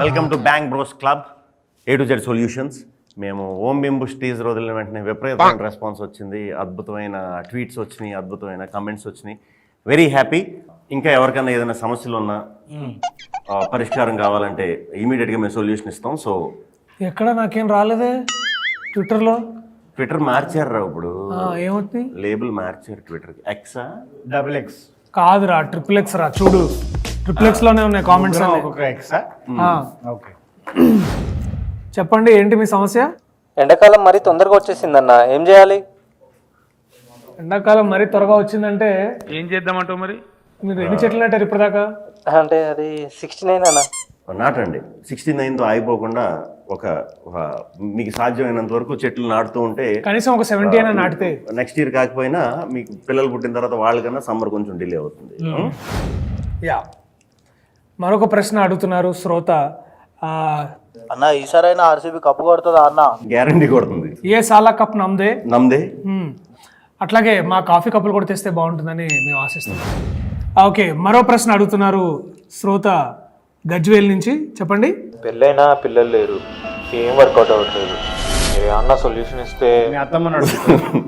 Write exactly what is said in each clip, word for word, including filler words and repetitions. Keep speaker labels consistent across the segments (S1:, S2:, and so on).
S1: Welcome to bank bros club A to Z solutions. మేము Om బింబుష్ teaser వదిలిన వెంటనే విపరీతమైన రెస్పాన్స్ వచ్చింది, అద్భుతమైన ట్వీట్స్ వచ్చినాయి, అద్భుతమైన కమెంట్స్ వచ్చినాయి. Very happy. ఇంకా ఎవరికైనా ఏదైనా సమస్యలు ఉన్నా పరిష్కారం కావాలంటే ఇమీడియట్గా మేము సొల్యూషన్ ఇస్తాం. సో
S2: ఎక్కడ నాకేం రాలేదే ట్విట్టర్లో.
S1: ట్విట్టర్ మార్చారు ఇప్పుడు,
S2: ఏమవుతుంది
S1: లేబుల్ మార్చారు ట్విట్టర్కి. ఎక్సా
S3: డబుల్ ఎక్స్
S2: కాదురా, ట్రిపుల్ ఎక్స్ రా. చూడు ట్రిపుల్ ఎక్స్ లోనే ఉన్నాయి కామెంట్స్.
S3: ఎక్సా ఓకే,
S2: చెప్పండి ఏంటి మీ సమస్య?
S4: ఎండాకాలం మరీ తొందరగా వచ్చేసిందన్న, ఏం చేయాలి?
S2: ఎండాకాలం మరీ త్వరగా వచ్చిందంటే
S5: ఏం చేద్దామంటావు మరి?
S2: మీరు ఎన్ని చెట్లు నాటారు ఇప్పటిదాకా?
S4: అంటే అది సిక్స్టీ నైన్ అన్న.
S1: నాటండి. సిక్స్టీ నైన్తో ఆగిపోకుండా ఒక మీకు సాధ్యమైనంత వరకు చెట్లు నాటుతూ ఉంటే
S2: కనీసం ఒక సెవెంటీ అయినా నాటితే
S1: నెక్స్ట్ ఇయర్ కాకపోయినా మీకు పిల్లలు పుట్టిన తర్వాత వాళ్ళకన్నా సమ్మర్ కొంచెం డిలే అవుతుంది.
S2: యా, మరొక ప్రశ్న అడుగుతున్నారు శ్రోత.
S6: అన్న ఈసారైనా ఆర్సీబీ కప్పు కొడుతుందా అన్న?
S1: గ్యారంటీ కొడుతుంది.
S2: ఏ సాలా కప్ నమ్దే
S1: నమ్దే.
S2: అట్లాగే మా కాఫీ కప్పులు కూడా తెస్తే బాగుంటుందని మేము ఆశిస్తున్నాం. ఓకే, మరో ప్రశ్న అడుగుతున్నారు శ్రోత గజ్వేల్ నుంచి. చెప్పండి.
S7: పెళ్ళైనా పిల్లలు లేరు, ఏం వర్కౌట్ అవ్వట్లేదు, మీరు ఏమన్నా సొల్యూషన్ ఇస్తే.
S3: మీ అత్తమ్మని అడుగుతున్నాను.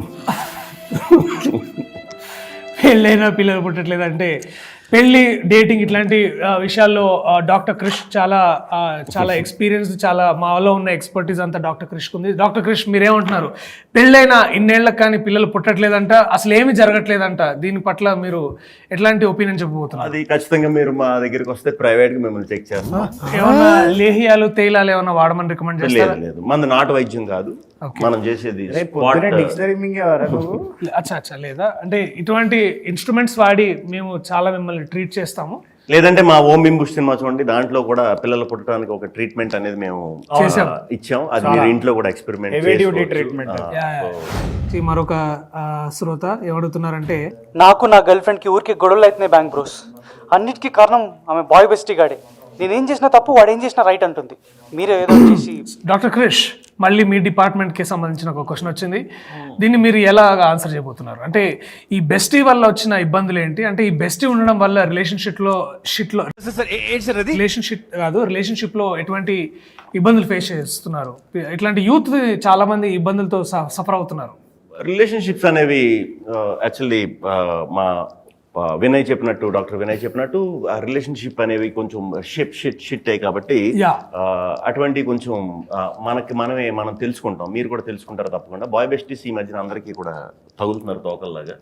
S2: పెళ్ళైనా పిల్లలు పుట్టట్లేదు అంటే పెళ్ళి, డేటింగ్ ఇట్లాంటి విషయాల్లో డాక్టర్ క్రిష్ చాలా చాలా ఎక్స్పీరియన్స్, చాలా మాలో ఉన్న ఎక్స్పర్టీస్ అంతా డాక్టర్ క్రిష్కి ఉంది. డాక్టర్ క్రిష్ మీరేమంటున్నారు? పెళ్ళైనా ఇన్నేళ్ళకి కానీ పిల్లలు పుట్టట్లేదంట, అసలు ఏమి జరగట్లేదంట. దీని పట్ల మీరు ఎట్లాంటి ఒపీనియన్ చెప్పబోతున్నారు?
S1: అది ఖచ్చితంగా మీరు మా దగ్గరికి వస్తే ప్రైవేట్ గా మిమ్మల్ని చెక్ చేస్తాం.
S2: ఏమన్నా లేహియాలు తైలాలు ఏమన్నా వాడమని రికమెండ్ చేస్తారా?
S1: లేదు లేదు, మన నాటు వైద్యం కాదు, మనం చేసేది
S3: డిక్షనరీ
S2: అచ్చా అచ్చా లేదా అంటే ఇటువంటి ఇన్స్ట్రుమెంట్స్ వాడి మేము చాలా మిమ్మల్ని ట్రీట్ చేస్తాము.
S1: లేదంటే మా ఓం బింబుష్ సినిమా చూడండి, దాంట్లో కూడా పిల్లలు పుట్టడానికి ఒక ట్రీట్మెంట్ అనేది మేము ఇచ్చాం. అది మీరు ఇంట్లో కూడా ఎక్స్పెరిమెంట్
S3: ట్రీట్మెంట్.
S2: మరొక శ్రోత ఏమడుగుతున్నారంటే,
S4: నాకు నా గర్ల్ ఫ్రెండ్ కి ఊరికి గొడవలు అవుతున్నాయి బ్యాంక్ బ్రోస్. అన్నిటికీ కారణం ఆమె బాయ్ బెస్టీ గాడే. నేనేం చేసినా తప్పు, వాడు ఏం చేసినా రైట్ అంటుంది. మీరే ఏదో చేసి.
S2: డాక్టర్ క్రిష్, మళ్ళీ మీ డిపార్ట్మెంట్కి సంబంధించిన ఒక క్వశ్చన్ వచ్చింది. దీన్ని మీరు ఎలా ఆన్సర్ చేయబోతున్నారు? అంటే ఈ బెస్టీ వల్ల వచ్చిన ఇబ్బందులు ఏంటి? అంటే ఈ బెస్టీ ఉండడం వల్ల రిలేషన్షిప్లో షిట్లో రిలేషన్షిప్ కాదు రిలేషన్షిప్లో ఎటువంటి ఇబ్బందులు ఫేస్ చేస్తున్నారు? ఇట్లాంటి యూత్ చాలా మంది ఇబ్బందులతో సఫర్ అవుతున్నారు.
S1: రిలేషన్షిప్స్ అనేవి యాక్చువల్లీ మా వినయ్ చెప్పినట్టు, డాక్టర్ వినయ్ చెప్పినట్టు ఆ రిలేషన్షిప్ అనేవి కొంచెం షిప్ షిట్ షిట్ అయ్యి కాబట్టి అటువంటి కొంచెం మనకి మనమే మనం తెలుసుకుంటాం, మీరు కూడా తెలుసుకుంటారు తప్పకుండా. బాయ్ బెస్టీస్ ఈ మధ్యన అందరికీ కూడా తగులుతున్నారు తోకల్లాగా.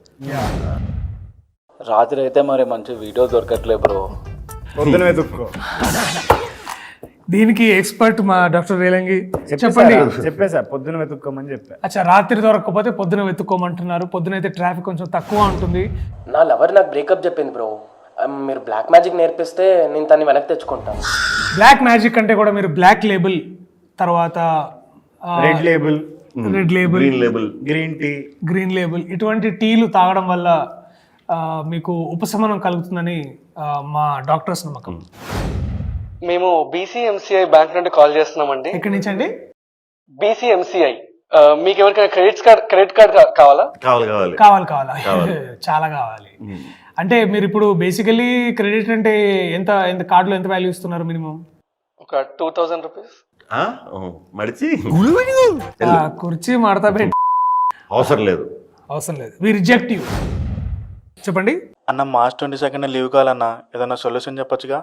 S6: రాత్రి అయితే మరి మంచి వీడియో దొరకట్లే బ్రో,
S3: పొద్దున వెతుక్కో.
S2: దీనికి ఎక్స్పర్ట్ మా డాక్టర్ రేలంగి. చెప్పండి.
S3: చెప్పేసా పొద్దున వెతుక్కోమని చెప్పా.
S2: అచ్చా, రాత్రి దొరకకపోతే పొద్దున వెతుక్కోమంటున్నారు. పొద్దున అయితే ట్రాఫిక్ కొంచెం తక్కువ ఉంటుంది.
S8: నా లవర్ నాకు బ్రేకప్ చెప్పింది బ్రో, మీరు బ్లాక్ మ్యాజిక్ నేర్పిస్తే నేను తన్ని వెనక్కి తెచ్చుకుంటాను.
S2: బ్లాక్ మ్యాజిక్ అంటే కూడా మీరు బ్లాక్ లేబుల్, తర్వాత
S3: red label,
S2: red label,
S1: green label,
S3: green tea,
S2: green label ఇటువంటి టీలు తాగడం వల్ల మీకు ఉపశమనం కలుగుతుందని మా డాక్టర్స్ నమ్మకం.
S9: మేము బీసీఎంసీఐ బ్యాంక్ నుండి కాల్ చేస్తున్నామండి.
S2: ఎక్కడి నుంచి అండి?
S9: బీసీఎంసీఐ. మీకు ఎవరికైనా క్రెడిట్ కార్డ్ క్రెడిట్ కార్డ్ కావాలా?
S1: కావాలి కావాలి
S2: కావాలి కావాలి చాలా కావాలి. అంటే మీరు ఇప్పుడు బేసికలీ క్రెడిట్ అంటే ఎంత ఎంత కార్డులో ఎంత వాల్యూ ఇస్తున్నారు? మినిమం
S9: ఒక టూ థౌసండ్ రూపీస్.
S1: మడిచి
S2: కుర్చీ మాడతా పెట్టి
S1: అవసరం లేదు,
S2: అవసరం లేదు. We reject you. చెప్పండి
S6: అన్న. మార్చ్ ట్వంటీ సెకండ్ లీవ్ కావాలన్నా, ఏదన్నా సొల్యూషన్ చెప్పొచ్చుగా?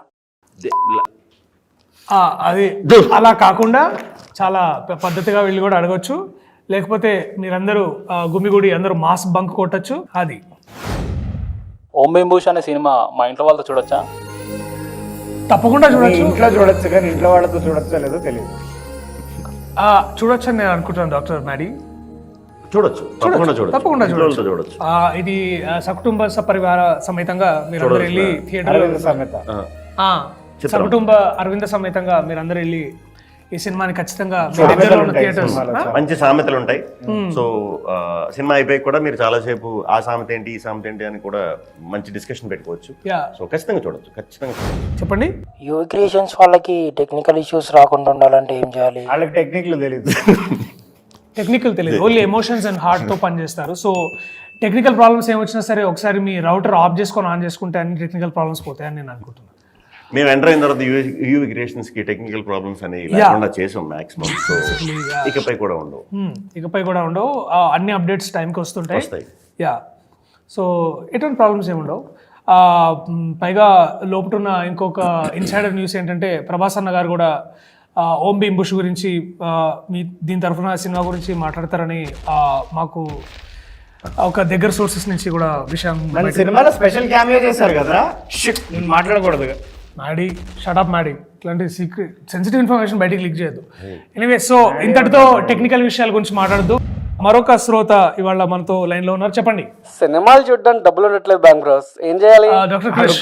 S2: అది అలా కాకుండా చాలా పద్ధతిగా వెళ్ళి కూడా అడగచ్చు. లేకపోతే మీరందరూ గుమిగుడి అందరూ మాస్ బంక్ కొట్టచ్చు. అది
S6: ఓం బింబుష్ అనే సినిమా మా ఇంట్లో వాళ్ళతో చూడొచ్చా?
S2: తప్పకుండా చూడొచ్చు.
S3: ఇంట్లో చూడొచ్చు, కానీ ఇంట్లో వాళ్ళతో చూడొచ్చా లేదో తెలియదు.
S2: చూడొచ్చు అని నేను అనుకుంటున్నాను డాక్టర్ మ్యాడీ.
S1: చూడొచ్చు, తప్పకుండా చూడొచ్చు,
S2: తప్పకుండా చూడొచ్చు.
S1: చూడొచ్చు.
S2: ఇది సకుటుంబ సపరివార సమేతంగా మీరు అందరూ వెళ్ళి థియేటర్
S3: సమేత
S2: సకుటుంబ అరవింద సమేతంగా మీరు అందరూ వెళ్ళి ఈ సినిమాని ఖచ్చితంగా థియేటర్స్.
S1: మంచి సామెతలు ఉంటాయి. సో సినిమా అయిపోయి కూడా మీరు చాలాసేపు ఆ సామెత ఏంటి ఈ సామెత ఏంటి అని కూడా మంచి డిస్కషన్ పెట్టుకోవచ్చు. సో ఖచ్చితంగా చూడొచ్చు, ఖచ్చితంగా చూడొచ్చు.
S2: చెప్పండి.
S8: యువ క్రియేషన్స్ వాళ్ళకి టెక్నికల్ ఇష్యూస్ రాకుండా ఉండాలంటే ఏం చేయాలి?
S3: వాళ్ళకి టెక్నిక్లు తెలియదు.
S2: టెక్నికల్ తెలియదు, ఓన్లీ ఎమోషన్స్ అండ్ హార్ట్ తో పనిచేస్తారు. సో టెక్నికల్ ప్రాబ్లమ్స్ ఏమొచ్చినా సరే ఒకసారి మీ రౌటర్ ఆఫ్ చేసుకొని ఆన్ చేసుకుంటే అన్ని టెక్నికల్ ప్రాబ్లమ్స్ పోతాయని నేను అనుకుంటున్నాను.
S1: మేము ఎంటర్ అయిన తర్వాత యూవి క్రియేషన్స్ కి టెక్నికల్ ప్రాబ్లమ్స్ అనేవి లేకుండా చేసాం మాక్సిమం. సో ఇకపై కూడా ఉండవు.
S2: Hmm, ఇకపై కూడా ఉండవు. ఆ, అన్ని అప్డేట్స్ టైంకి వస్తుంటాయి.
S1: వస్తాయి.
S2: యా, సో ఎటువంటి ప్రాబ్లమ్స్ ఏమి ఉండవు. ఆ, మ్, పైగా లోపటున్న ఇంకొక ఇన్సైడర్ న్యూస్ ఏంటంటే ప్రభాస్ అన్న గారు కూడా ఆ, ఓం భీమ్ బుష్ గురించి ఆ, మీ దీని తరఫున సినిమా గురించి మాట్లాడతారని ఆ, మాకు ఒక దగ్గర సోర్సెస్ నుంచి కూడా విషయం
S3: మన సినిమాలో స్పెషల్ క్యామియో చేశారు కదా, షిట్ నేను మాట్లాడకూడదు.
S2: మ్యాడీ షటప్ మ్యాడీ ఇట్లాంటి సీక్రెట్ సెన్సిటివ్ ఇన్ఫర్మేషన్ బయటికి లీక్ చేయొద్దు. ఎనీవే, సో ఇంతటితో టెక్నికల్ విషయాల గురించి మాట్లాడద్దు. మరొక శ్రోత ఇవాళ మనతో లైన్ లో ఉన్నారు, చెప్పండి.
S9: సినిమాలు చూడడానికి డబ్బులు ఉండట్లేదు బ్యాంక్ బ్రోస్, ఏం చేయాలి?
S2: డాక్టర్ క్రిష్,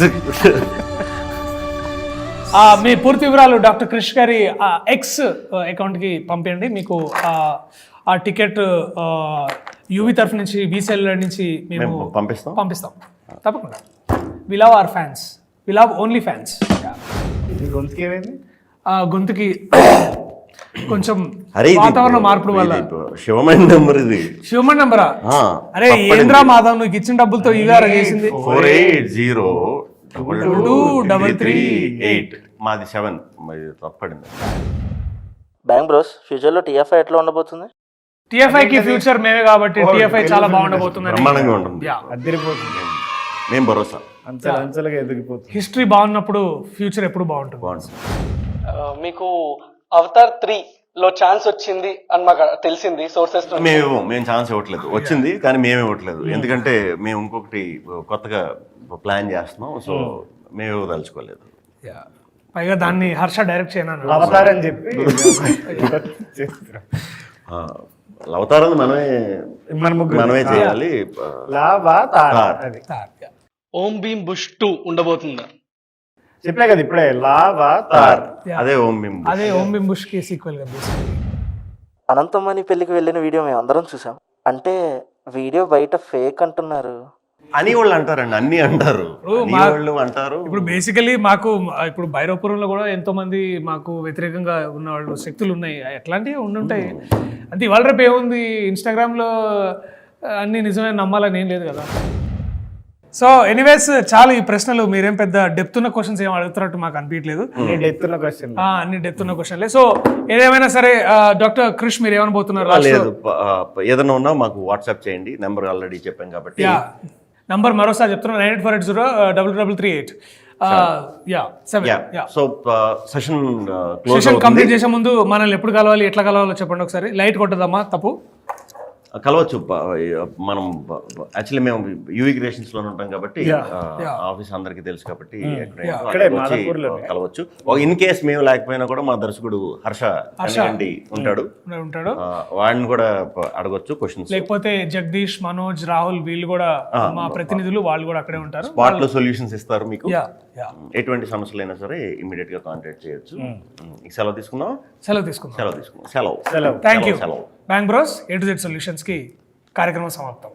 S2: ఆ, మీ పూర్తి వివరాలు డాక్టర్ క్రిష్ గారి ఎక్స్ అకౌంట్ కి పంపించండి. మీకు ఆ, ఆ టికెట్ యూవి తరఫు నుంచి బీసీఎల్ నుంచి మేము
S1: మేము పంపిస్తాం
S2: పంపిస్తాం తప్పకుండా. We love our fans, we love only fans.
S3: ఈ గొంతుకి ఏమైంది?
S2: గొంతుకి కొంచెం
S1: అరే ఇది
S2: వాతావరణ మార్పుల వల్ల.
S1: ఇది శివమైన నెంబర్ ఇది.
S2: శివమన్ నంబరా?
S1: ఆ,
S2: అరే ఏంద్రా మాధవ్, నువ్వు ఇచ్చిన డబ్బులతో ఇవార చేసింది.
S1: Four eight zero double two double three eight మాది సెవెన్, మరి తప్పడింది.
S5: బ్యాంక్ బ్రోస్ ఫ్యూచర్లో టీఎఫ్ఐ ఎట్లా ఉండబోతుంది?
S2: టిఎఫ్ఐ కి ఫ్యూచర్ మేమే కాబట్టి టిఎఫ్ఐ చాలా బాగుండబోతుంది.
S1: బ్రహ్మాండంగా ఉంటుంది.
S3: అద్దరిపోతుంది,
S1: మేము భరోసా.
S3: అంచెలు అంచెలుగా ఎదిగిపోతుంది.
S2: హిస్టరీ బాగున్నప్పుడు ఫ్యూచర్ ఎప్పుడు బాగుంటుంది.
S1: బాగుంటుంది.
S9: మీకు అవతార్ త్రీ లో ఛాన్స్ వచ్చింది అని మాకు తెలిసింది సోర్సెస్.
S1: మేము ఇవ్వం, మేము ఛాన్స్ ఇవ్వట్లేదు. వచ్చింది కానీ మేము ఇవ్వట్లేదు, ఎందుకంటే మేము ఇంకొకటి కొత్తగా ప్లాన్ చేస్తున్నాం. సో మేము ఇవ్వదలుచుకోలేదు.
S2: పైగా దాన్ని హర్ష డైరెక్ట్ చేయను.
S3: అవతారని చెప్పి
S1: లవతారని మనమే
S3: మన ముగ్గురు
S1: మనమే చేయాలి.
S3: లాభా తార అది
S9: ఓం భీమ్ బుష్ టూ ఉండబోతుందా?
S3: చెప్పలే కదా ఇప్పుడే, లాభా తార్.
S1: అదే ఓం బింబు.
S2: అదే ఓం బిమ్ బుష్ కి సీక్వెల్ గా basically.
S5: అనంతమణి పెళ్లికి వెళ్ళిన వీడియో మేము అందరం చూసాం. అంటే వీడియో బయట ఫేక్ అంటున్నారు.
S1: అని వాళ్ళు అంటారండి, అన్ని అంటారు.
S2: ఇప్పుడు
S1: అని
S2: మా-
S1: వాళ్ళు అంటారు.
S2: ఇప్పుడు బేసికలీ మాకు ఇప్పుడు భైరవపురంలో కూడా ఎంతో మంది మాకు వ్యతిరేకంగా ఉన్న వాళ్ళు శక్తులు ఉన్నాయి. ఎట్లాంటివి ఉండుంటాయి. అంటే ఇవాళ రేపు ఏముంది, ఇన్స్టాగ్రామ్ లో అన్ని నిజమే నమ్మాలని ఏం లేదు కదా. సో ఎనీవేస్, చాలా ఈ ప్రశ్నలు మీరేం పెద్ద డెప్త్ ఉన్న క్వశ్చన్స్ ఏం అడుగుతున్నట్టు మాకు అనిపించలేదు.
S3: ఎత్తున్న క్వశ్చన్
S2: ఆ, అన్ని డెప్త్ ఉన్న క్వశ్చన్లే. సో ఏదేమైనా సరే, డాక్టర్ క్రిష్ మీరు ఏమనబోతున్నారు?
S1: ఆ, లేదు, ప- ఆ, ప- ఏదైనా ఉన్నా మాకు వాట్సాప్ చేయండి. నెంబర్ ఆల్రెడీ చెప్పాం కాబట్టి.
S2: యా, నంబర్ మరోసారి చెప్తున్నా, nine eight four eight zero double double three eight yeah seven. Yeah,
S1: so session close
S2: session complete చేసే ముందు మనల్ని ఎప్పుడు కలవాలి, ఎట్లా కలవాలో చెప్పండి ఒకసారి. లైట్ కొట్టదమ్మా, తప్పు
S1: కలవచ్చు. ప- మనం యాక్చువల్లీ మేము యూవి క్రియేషన్స్ లో ఉంటాం కాబట్టి ఆఫీస్ అందరికి తెలుసు కాబట్టి ఎక్కడైనా
S3: అక్కడే
S1: వచ్చి
S3: మాదాపూర్లోనే.
S1: కలవచ్చు. ఇన్ కేస్ మేము లేకపోయినా కూడా మా దర్శకుడు హర్ష కనిగంటి ఉంటాడు.
S2: ఉంటాడు.
S1: ఆ, వాడిని కూడా ప- అడగొచ్చు క్వశ్చన్స్.
S2: లేకపోతే జగదీష్, మనోజ్, రాహుల్ వీళ్ళు కూడా మా ప్రతినిధులు, వాళ్ళు కూడా అక్కడే ఉంటారు.
S1: స్పాట్ లో సొల్యూషన్స్ ఇస్తారు మీకు.
S2: యా యా,
S1: ఎటువంటి సమస్యలైనా సరే ఇమీడియట్ గా కాంటాక్ట్ చేయొచ్చు. ఈ సెలవు తీసుకుందాం.
S2: సెలవు తీసుకుందాం.
S1: సెలవు తీసుకుందాం. సెలవు
S3: సెలవు.
S2: Thank you.
S1: సెలవు.
S2: Bank bros A to Z solutions కి కార్యక్రమం సమాప్తం.